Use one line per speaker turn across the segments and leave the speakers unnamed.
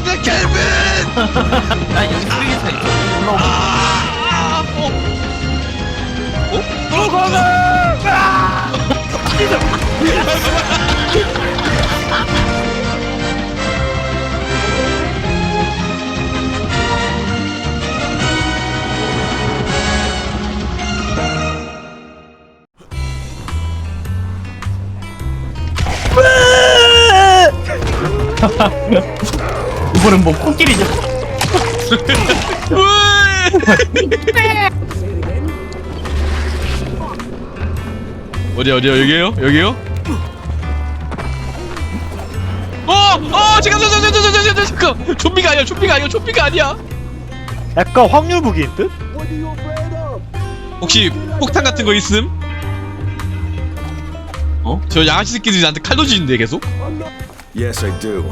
내 켈빈!
야 여기 쓰레기차 있어. 올라오면. 이번엔 뭐 코끼리냐?
어디야 여기에요? 여기요? 잠깐 좀비가 아니야.
약간 확률 무기인 듯?
혹시 폭탄 같은 거 있음?
어?
저 양아치 새끼들이 나한테 칼로 지는데 계속?
Yes, I do.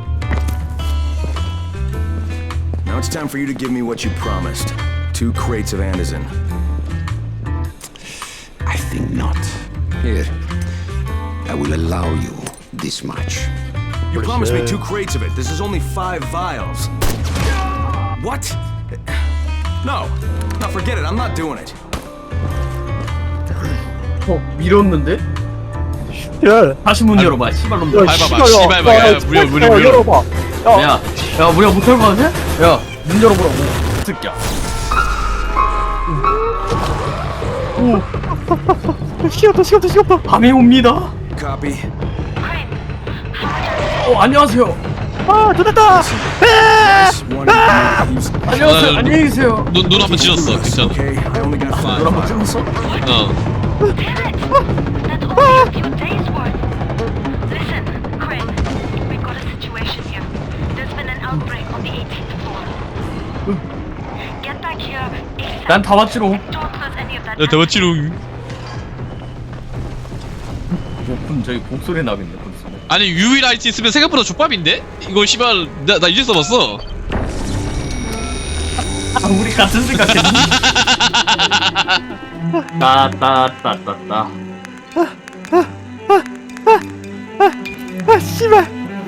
Now it's time for you to give me what you promised. 2 crates of Anderson.
I think not. Here, I will allow you this much.
You promised me 2 crates of it. This is only 5 vials. What? No. No, forget it. I'm not doing it.
밀었는데?
야,
다시 문 열어봐. 씨발놈.
밟아봐, 씨발봐. 무려.
열어봐.
야, 우리가 못할 거 같아? 야, 문 열어보라고. 새끼야.
시간다.
밤이 옵니다.
Copy.
안녕하세요.
됐다.
This one use.
안녕하세요. 안녕히 계세요.
눈 한번 찢었어. 괜찮아.
Okay, I only got 5
물 한번
vials.
찍었어?
That's only a few days worth. Listen, Crane, we've got a situation here. There's been an outbreak on the 18th floor. Get back here ASAP.
난 다 왔지롱.
Don't close any of that.
야, 대박치롱.
저기 곡소리 나겠네. 곡소리.
아니 UV 라이트 있으면 생각보다 족밥인데? 이거 씨발 나 이제 써봤어.
우리 같은 생각했니? 따따따따따.
씨발.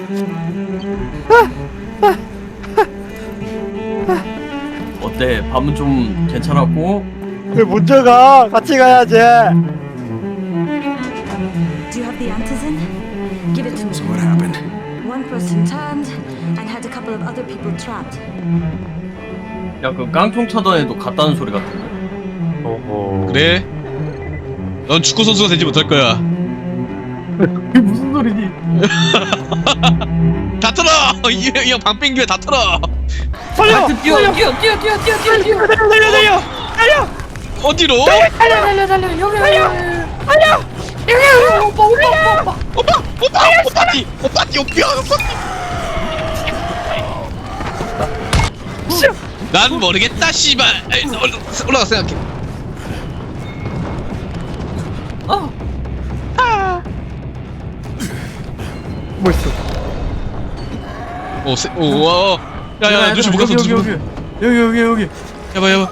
어때? 밤은 좀 괜찮았고?
왜 먼저 가? 같이 가야지.
Do you have the antizin? Give it to
So
me.
what happened?
One person turned and had a couple of other people trapped.
야, 그 깡총 차단에도 갔다는 소리 같은데?
어허.
그래? 넌 축구 선수가 되지 못할 거야.
그게 무슨 소리니?
다 털어! 이형 방뺑기에 다 털어!
살려.
뛰어!
달려.
어디로? 오빠띠! 난 모르겠다 씨발. 올라가 생각해.
뭐 있어?
야야 누시 못 갔어.
여기.
야봐.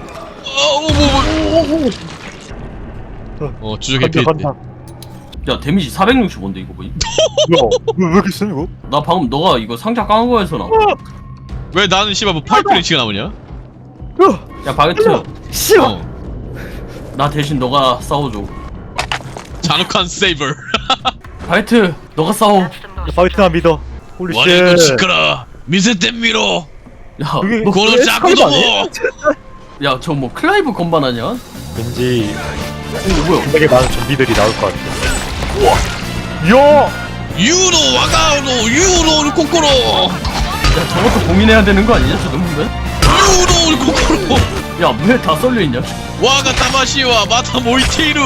주적에 피해.
간다.
야, 데미지 465인데 이거 뭐지?
왜 이렇게 세 이거?
나 방금 너가 이거 상자 깐 거에서 나와.
왜 나는 씨발 뭐 파이프렌치가 나오냐?
야, 바게트.
싫어.
나 대신 너가 싸워줘.
잔혹한 세이버.
바게트, 너가 싸워.
That's the most.
바이트나 믿어. 홀리
와리도
쉣.
시끄러. 미세템미로.
야,
그게-
너,
고로
그게
자꾸
스카이브 아니야?
도
야, 저 뭐 클라이브 건반 아니야?
왠지
이거 뭐야?
되게 많은 좀비들이 나올 것 같아. 우와. 야.
유로 와가로 유로 코코로.
야, 저것도 고민해야 되는 거 아니냐? 저 정도면?
유로 코코로.
야, 왜 다 썰려 있냐?
와가 타마시와 마타 모이테이루.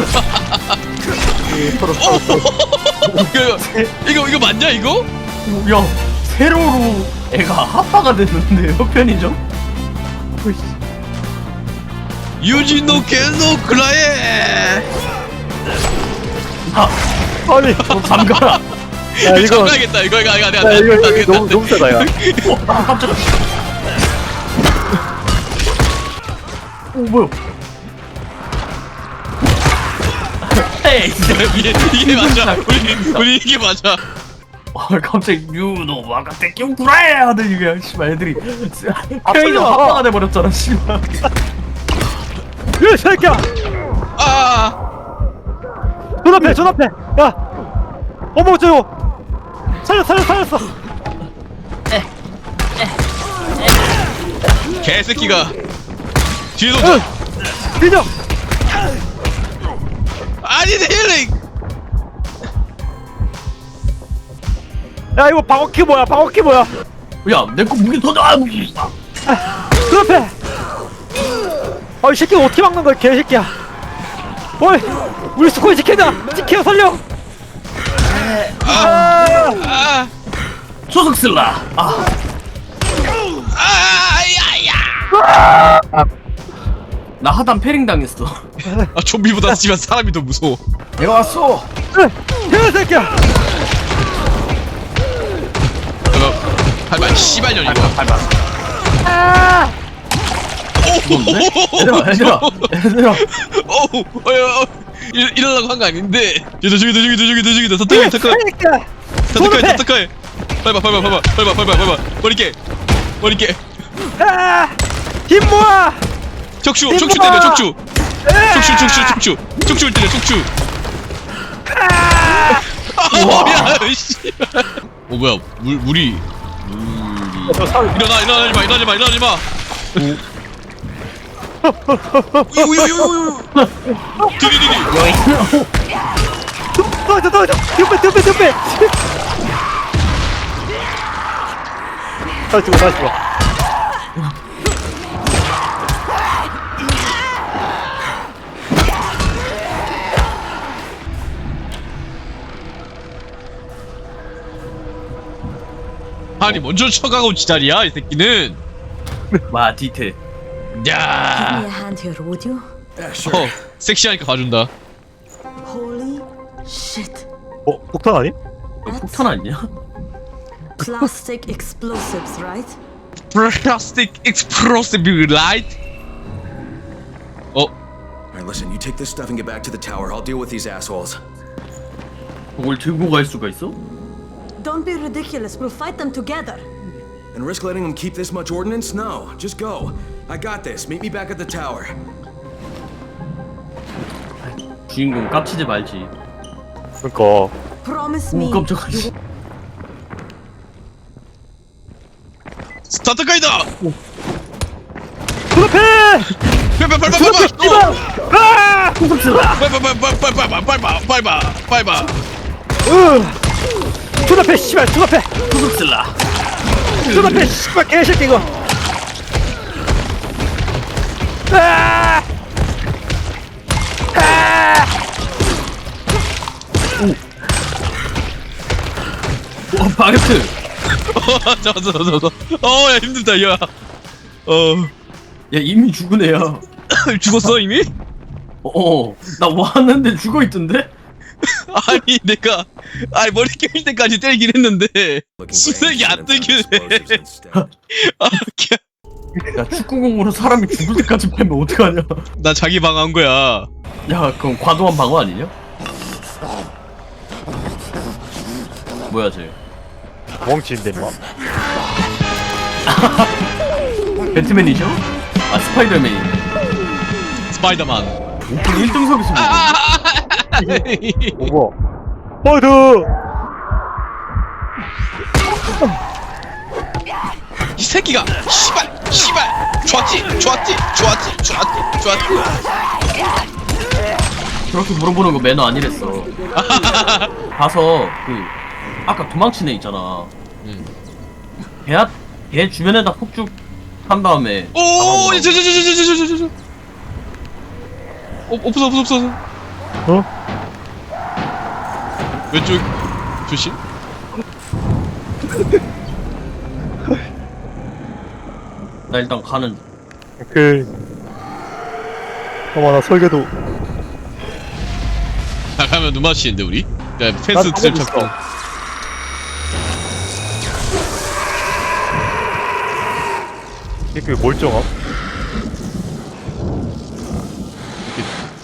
이거 맞냐 이거?
야, 세로로 애가 합파가 됐는데요, 편의점?
유진노 겐노 클라에.
아니.
너 잠가라.
야 이거.
잠가야겠다. 이거
야 이거 너무 세다 야.
깜짝이야. 뭐야? 에이,
이게 맞아. 우리 이게 맞아.
갑자기 유노 와가테 뀨구라에 하더니 그냥 씨발 애들이 페이저 합방가 돼버렸잖아 씨발.
이 새끼야!
아
눈앞에 야! 어머 저거! 살렸어!
개새끼가 뒤에서 온다.
뒤져!
아니 내 힐링.
야 이거 방어키 뭐야?
야내 거 무기 더 나.
눈앞에! 이 새끼 어떻게 막는 거야 개새끼야. 어이! 우리 스코이 지켜 살려!
아
소속 쓸라.
야야.
나 하단 패링 당했어.
아 좀비보다 지만 사람이 더 무서워.
내가 왔어.
개새끼야!
이거 할말 씨발년 이거.
얘들아.
어우 이러려고 한 거 아닌데. 저기다 터득해. 밟아. 머리깨.
힘 모아!
척추 때려 척추. 척추를 때려 척추. 야 씨. 뭐야 물이. 일어나지 마. 디디디디.
덤벼! 다시 죽어.
아니 먼저 쳐가고 지랄이야 이 새끼는.
와 디테일.
Give me
야.
a hand here, would you?
Yeah, sure.
섹시하니까 가준다.
Holy shit.
폭탄 아니?
너 폭탄 아니냐?
Plastic explosives, right?
Plastic explosive light.
All right, listen. You take this stuff and get back to the tower. I'll deal with these assholes.
그걸 들고 갈 수가 있어?
Don't be ridiculous. We'll fight them together.
And risk letting them keep this much ordnance? No, just go. I got this. Meet me back at the tower.
주인공 깝치지 말지.
그니까
Promise
오
me.
깜짝아.
스타트 가이다.
눈앞에!
밟아.
눈앞에 씨발 눈앞에!
소속 쓸라.
눈앞에 씨발 개새끼 이거!
와 바게트.
잡았어. 야 힘들다 야.
야 이미 죽은 애야.
죽었어 이미?
나 왔는데 죽어 있던데?
아니 내가 머리 깨질 때까지 때리긴 했는데
Looking for
수색이 안
ancient
뜨길래.
explosives instead.
야 축구공으로 사람이 죽을 때까지 패면 어떡하냐?
나 자기 방한 거야.
야 그럼 과도한 방어 아니냐? 뭐야 쟤?
멍치인데 임마.
배트맨이죠? 아 스파이더맨이.
스파이더만.
오픈 1등석에서
오버. 파이트!
이 새끼가 씨발 좋았지.
그렇게 물어보는 거 매너 아니랬어. 가서 그 아까 도망친 애 있잖아. 걔 주변에다 폭죽 한 다음에.
오, 저. 없어. 왼쪽 조심.
나 일단 가는.
나 설계도.
다 가면 눈 마주치는데 우리. 야 펜스 트랩 잡고.
이게 멀쩡함?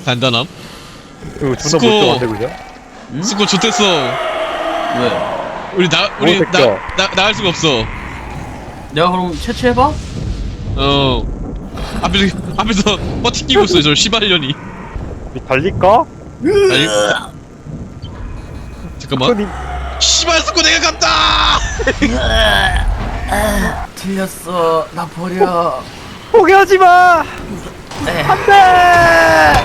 단단함.
이거 존나
스코.
멀쩡한데 그냥?
스코 좋댔어.
왜?
우리
새끼야.
나갈 수가 없어.
내가 그럼 채취해봐?
앞에서 버티기고 있어 저 시발년이.
우리 달릴까?
아니, 잠깐만. 시발 스코 내가 간다.
틀렸어. 나 버려.
포기하지 마. 안돼.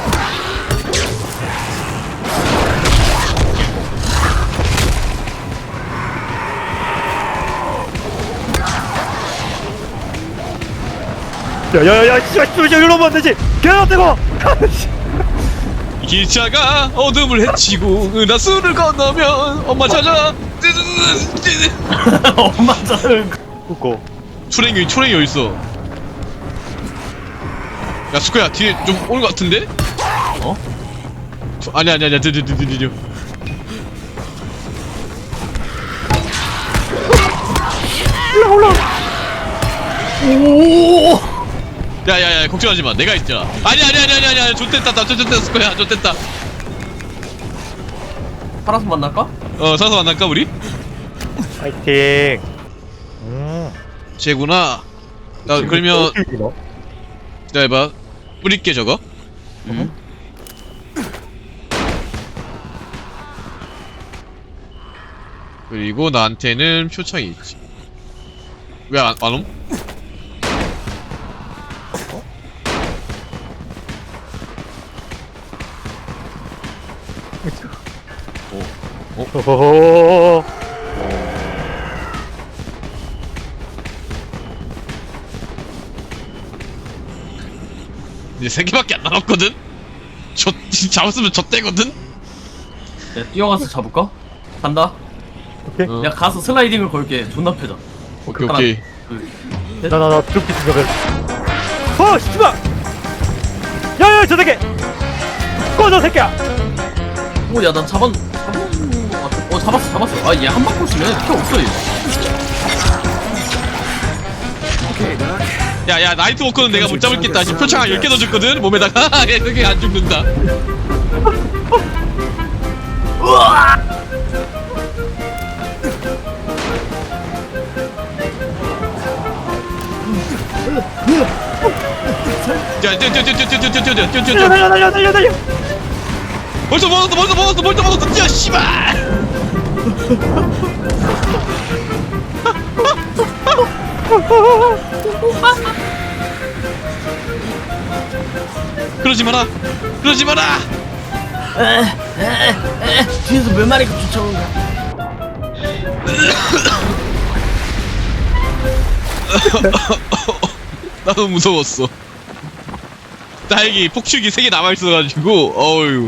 야야야야 씨발 이리로 오면 안 되지. 개나 뜨거.
기차가 어둠을 헤치고 은하수를 건너면 엄마 찾아.
엄마 자를.
그거.
초랭이 어디 있어? 야 스코야 뒤에 좀 오는 것 같은데?
어?
아니야
오.
야야야 걱정하지 마 내가 있잖아. 아니야 좋댔다 스코야 좋댔다.
파란색 만날까?
사서 만날까 우리?
파이팅.
쟤구나. 나 그러면 기다려봐 뿌릴게 저거. 그리고 나한테는 표창이 있지. 왜 안 옴?
호호호.
이제 3개밖에 안 남았거든? 잡았으면 졌대거든?
내가 뛰어가서 잡을까? 간다.
오케이.
어.
내가 가서 슬라이딩을 걸게. 존나 패자.
오케이
나나나 드롭 생각을. 씨발. 야야 저 새끼. 꺼져 새끼야.
오, 야, 나 잡았어. 아, 얘 한 방 꼴찌네. 필요 없어, 얘.
야야 나이트워커는 내가 못 잡을겠다. 지금 표창 한 10개 넣어줬거든? 몸에다가 얘 되게 안 죽는다. 야 뛰어
달려.
벌써 먹었어 뛰어 씨발. 그러지 마라
뒤에서 몇 마리가 쫓아오는 거야.
나도 무서웠어. 다행히 폭죽이 3개 남아있어가지고 어휴.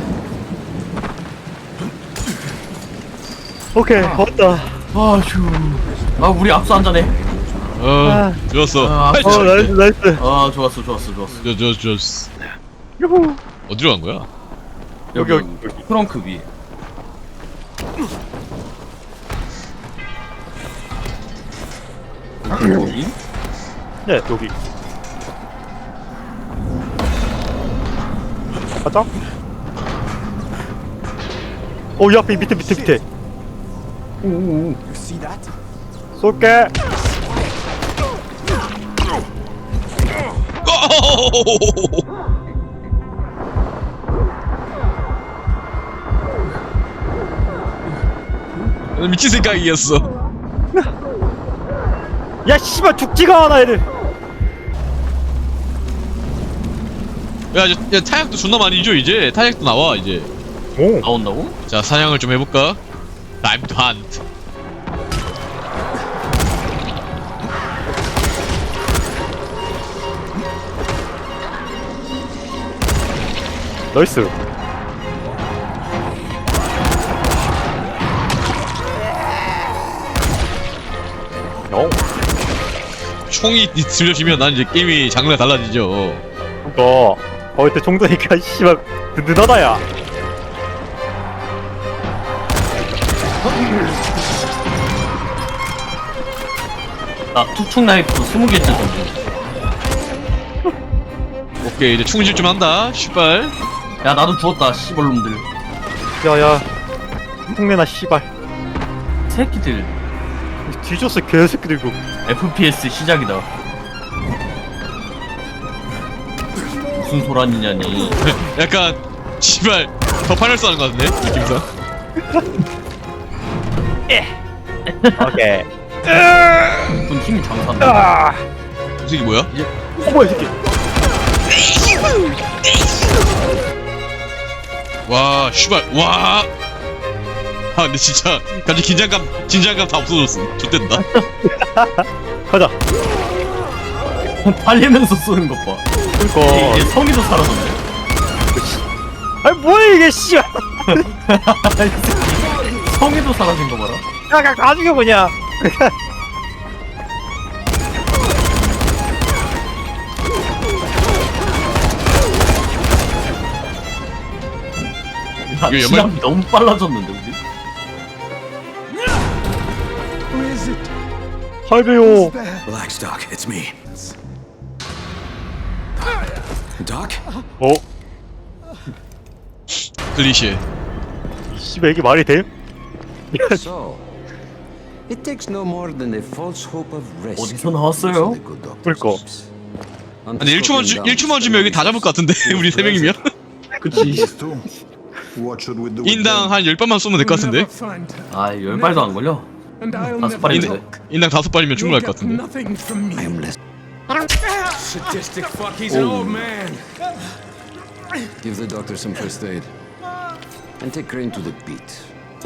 오케이 왔다.
아, 우리 압수 한 잔해.
좋았어.
나이스.
아, 좋았어.
좋았어.
유후.
어디로 간 거야?
여기.
트렁크 위에. 여기?
네 여기. 가자. 이 앞에 밑에.
오오오.
쏠게.
미친 생각이었어.
야 씨발 죽지가 않아 애들.
야 타약도 존나 많이 줘 이제. 타약도 나와 이제.
오.
나온다고?
자 사냥을 좀 해볼까? Time to hunt.
나이스.
총이 들려지면 난 이제 게임이 장르가 달라지죠.
그거 이때 총도니까 씨발 든든하다 야.
나 투축 나이프 20개째 던져.
오케이 이제 충질 좀 한다. 씨발.
야, 나도 죽었다, 씨발놈들.
야야. 흉내나 씨발.
새끼들.
뒤졌어 개새끼들 이거.
FPS 시작이다. 무슨 소란이냐니.
약간 씨발 더 파이널스 하는 거 같은데 느낌상.
오케이.
무슨 힘이 장사한다.
이 새끼 뭐야?
뭐야 이 새끼.
와 씨발 와. 아 근데 진짜 갑자기 긴장감 다 없어졌어. 좋댄다.
가자.
달리면서 쏘는 것 봐.
그니까.
이게 성의도 사라졌네.
아니 뭐야 이게 씨발.
이 새끼 성의도 사라진 거 봐라.
야, 다 죽여 그냥.
야,
이거
시간이 너무 빨라졌는데 우리?
할배요.
Relax, Doc. It's me. Doc?
어?
클리셰.
이 씨발 이게 말이 돼?
So, it takes no more than a false hope of rescue.
어디서 나왔어요?
그러니까.
근데 1초만 주면 여기 다 잡을 것 같은데 우리 3명이면
그치.
인당 한 10발만 쏘면 될 것 같은데.
아, 10발도 안 걸려. 5발인데.
인당 5발이면 충분할 것 같은데.
I am less.
Sadistic fuck. He's an old man.
Give the doctor some first aid. And take Crane to the beat.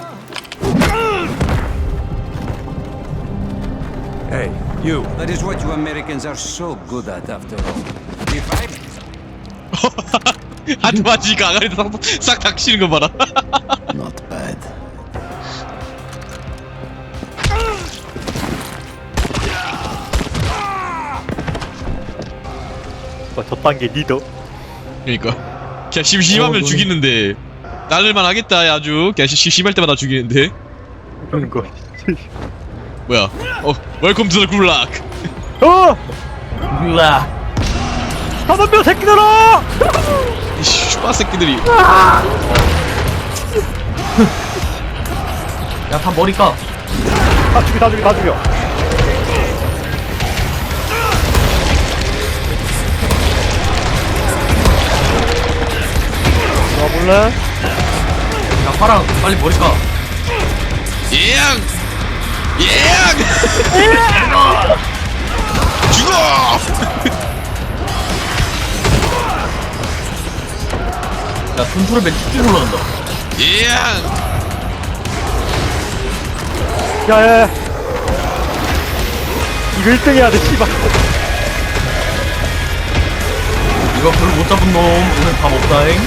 Hey, you.
That is what you Americans are so good at, after all. If I...
한 마지가 아가리도 싹 닥치는 거 봐라.
Not bad.
저딴 게 리더.
그러니까 그냥 심심하면 죽이는데 날릴만 하겠다. 아주 그냥 심심할 때마다 죽이는데.
그러니까.
뭐야? 웰컴 투 더 굴락.
어!
몰라.
다섯 명 새끼들아!
이 슈바 새끼들이.
야, 다 머리 까.
다 죽여 다 죽여 다 죽여. 와 몰래?
야, 파랑 빨리 머리 까.
예양! 예양! 죽어!
야, 분수를 쭉쭉 올라간다.
예양!
야야야. 이거 1등 해야 돼 씨발.
이거 별로 못 잡은 놈 오늘 다 먹다잉.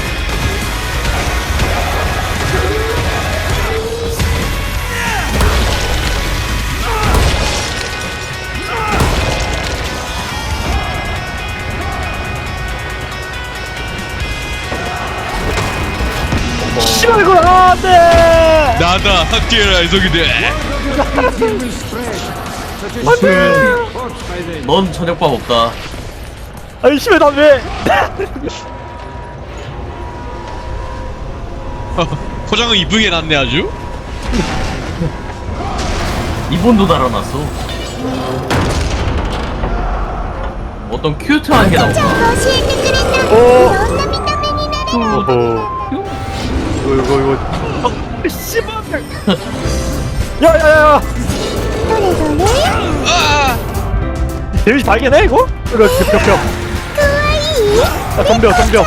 씨발 이거 안돼.
나다 학교라 이속이돼.
넌 저녁밥 없다.
아니 씨발 나 왜?
포장은 이쁘게 해놨네 아주.
이본도 달아놨어. 어떤 큐트한 게 나온다.
오호. 이거 씨발. 야야야.
아!
데미지 발견해 이거? 그렇지 벽벽. 야 덤벼 덤벼.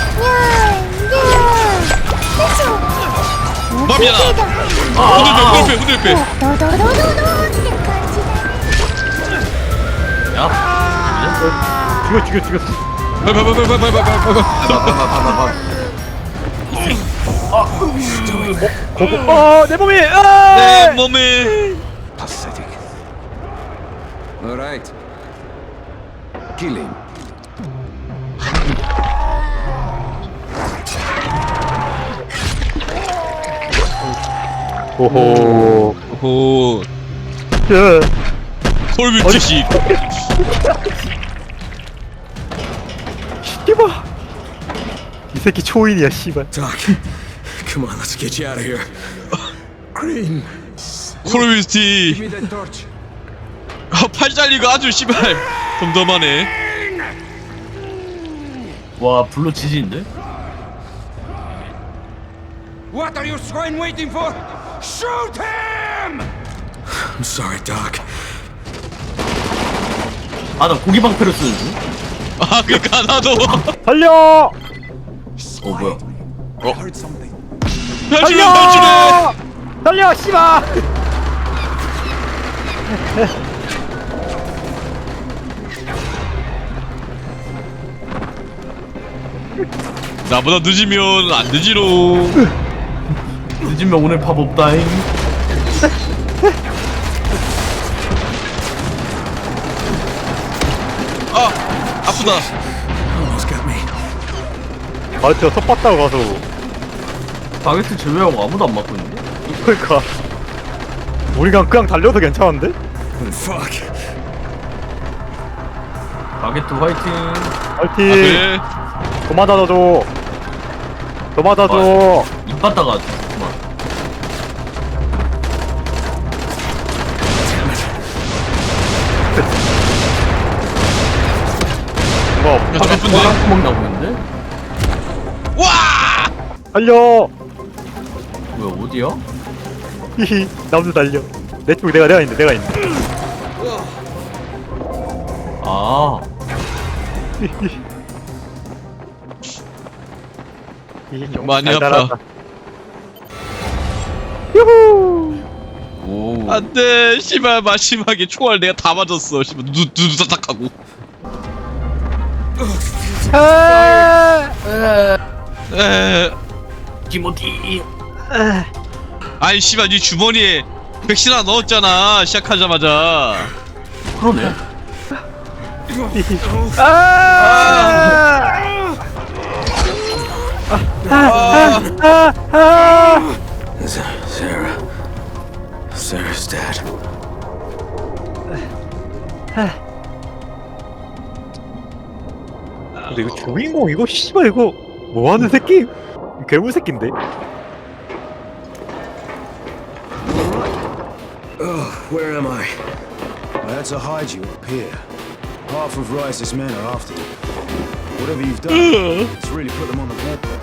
맘이야. 후들빼.
야,
죽여. 내 몸이.
내 몸에.
Pathetic. All right. Kill him.
오호.
오.
야.
콜뷰티식.
씨발. 이 새끼 초인이야 씨발.
Doc, come on, let's get you out of here. Green.
코르비스티.
Give me that torch.
팔 잘리고 아주 씨발 덤덤하네.
와 블루 지지인데?
What are you swine waiting for? Shoot him! I'm sorry, Doc.
아 나 고기 방패를 쓰는 중?
아 그니까 나도.
살려!
뭐야
탈출해 탈출해.
살려 씨발!
나보다 늦으면 안 되지롱.
늦으면 오늘 밥 없다잉.
아 아프다.
Almost got me.
아 진짜 섭봤다고 가서
바게트 제외하고 아무도 안 맞고 있는데?
그러니까 우리가 그냥 달려도 괜찮은데?
Fuck.
바게트 화이팅.
파이팅!
그래.
더 맞아줘. 더 맞아줘.
입 받다가 잠깐만.
뭐
야, 저 아픈데.
구멍 나고 있는데?
와.
달려.
뭐야 어디야?
히히 나도 달려. 내 쪽 내가 있는데 내가 있는데.
아
히히,
많이
달달하다.
아파.
유후.
오.
안돼 씨발 마지막에 총알 내가 다 맞았어. 씨발 누두닥하고. 에.
티모티.
아니 씨발 네 주머니에 백신 하나 넣었잖아 시작하자마자.
그러네.
Sarah. Sarah's dead.
근데 이거 주인공 이거 씨발 이거 뭐하는 새끼? 괴물 새끼인데?
Where am I?
I had to hide you up here. Half of Rice's men are after you. Whatever you've done, it's really put them on the warpath.